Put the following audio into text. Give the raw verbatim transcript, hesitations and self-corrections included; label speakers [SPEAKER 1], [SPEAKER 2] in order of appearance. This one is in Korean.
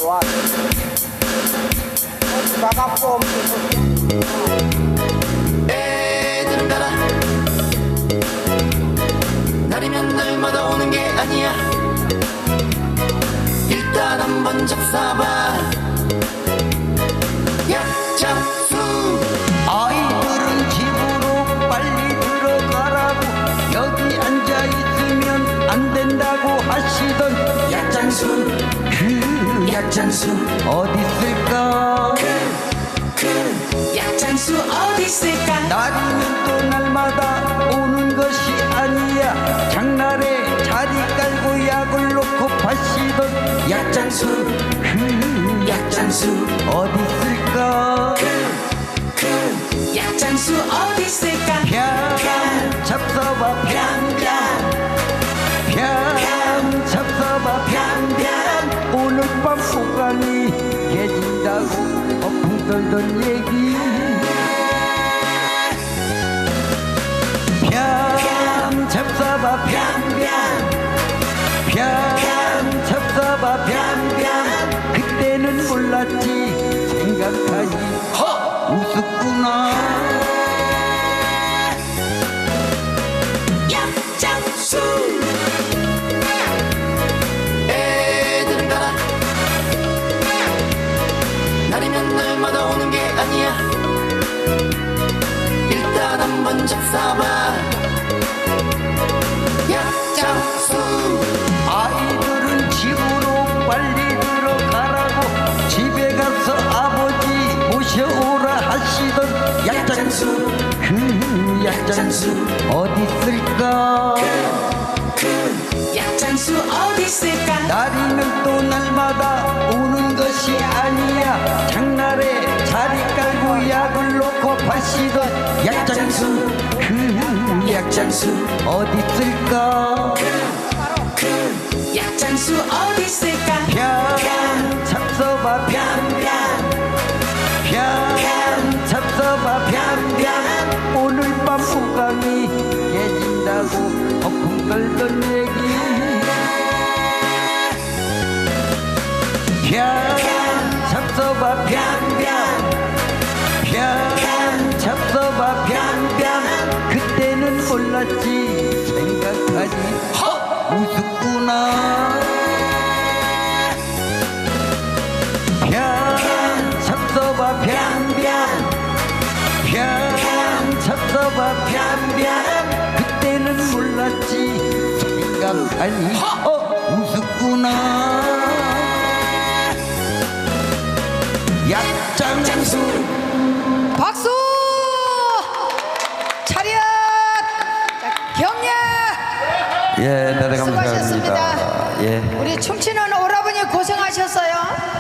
[SPEAKER 1] 좋아. 나가고
[SPEAKER 2] 애들은 가라. 날이면 날마다 오는 게 아니야. 일단 한번 잡사봐. 약장수.
[SPEAKER 3] 아이들은 집으로 빨리 들어가라고 여기 앉아있으면 안 된다고 하시던
[SPEAKER 2] 약장수.
[SPEAKER 3] 그
[SPEAKER 2] 약장수.
[SPEAKER 3] 어디 있을까?
[SPEAKER 2] 그 약장수 어디 있을까?
[SPEAKER 3] 날이면 또 날마다 오는 것이 아니야. 장날에 자리 깔고 약을 놓고 파시던
[SPEAKER 2] 약장수.
[SPEAKER 3] 그
[SPEAKER 2] 약장수.
[SPEAKER 3] 어디 있을까?
[SPEAKER 2] 그 약장수 어디 있을까?
[SPEAKER 3] 뺨 잡숴봐
[SPEAKER 2] 뺨뺨
[SPEAKER 3] 뺨 잡숴봐
[SPEAKER 2] 뺨뺨.
[SPEAKER 3] 오늘 밤 호강이 깨진다고 허풍 떨던 얘기 뺨 잡숴봐
[SPEAKER 2] 뺨뺨
[SPEAKER 3] 뺨 잡숴봐
[SPEAKER 2] 뺨뺨.
[SPEAKER 3] 그때는 몰랐지 생각하니
[SPEAKER 2] 허!
[SPEAKER 3] 웃었구나.
[SPEAKER 2] 약장수. 애들은 가라. 날이면 날마다 오는 게 아니야. 일단 한번 잡사봐. 약장수.
[SPEAKER 3] 아이들은 집으로 빨리 들어가라고 집에 가서 아버지 모셔오라 하시던
[SPEAKER 2] 약장수.
[SPEAKER 3] 그 약장수 어디 있을까?
[SPEAKER 2] 그 약장수 어디 있을까?
[SPEAKER 3] 날이면 또 날마다 오는 것이 아니야. 장날에 자리 깔고 약을 놓고 파시던 약장수 그
[SPEAKER 2] 약장수.
[SPEAKER 3] 어디 있을까?
[SPEAKER 2] 그 약장수 어디 있을까?
[SPEAKER 3] 뺨 잡숴봐
[SPEAKER 2] 뺨뺨
[SPEAKER 3] 뺨 잡숴봐
[SPEAKER 2] 뺨뺨.
[SPEAKER 3] 오늘 밤 호강이 깨진다고 허풍 떨던 얘기 뺨 잡숴봐
[SPEAKER 2] 뺨뺨
[SPEAKER 3] 뺨 잡숴봐
[SPEAKER 2] 뺨뺨.
[SPEAKER 3] 그때는 몰랐지 생각하니
[SPEAKER 2] 허!
[SPEAKER 3] 웃었구나. 뺨 잡숴봐
[SPEAKER 2] 뺨뺨
[SPEAKER 3] 뺨 잡숴봐
[SPEAKER 2] 뺨뺨.
[SPEAKER 3] 그때는 몰랐지 생각하니 어 웃었구나. 약장수
[SPEAKER 4] 박수! 차렷! 자, 경례!
[SPEAKER 3] 예, 대단히
[SPEAKER 4] 수고하셨습니다.
[SPEAKER 3] 감사합니다. 예.
[SPEAKER 4] 우리 춤추는 오라버니 고생하셨어요.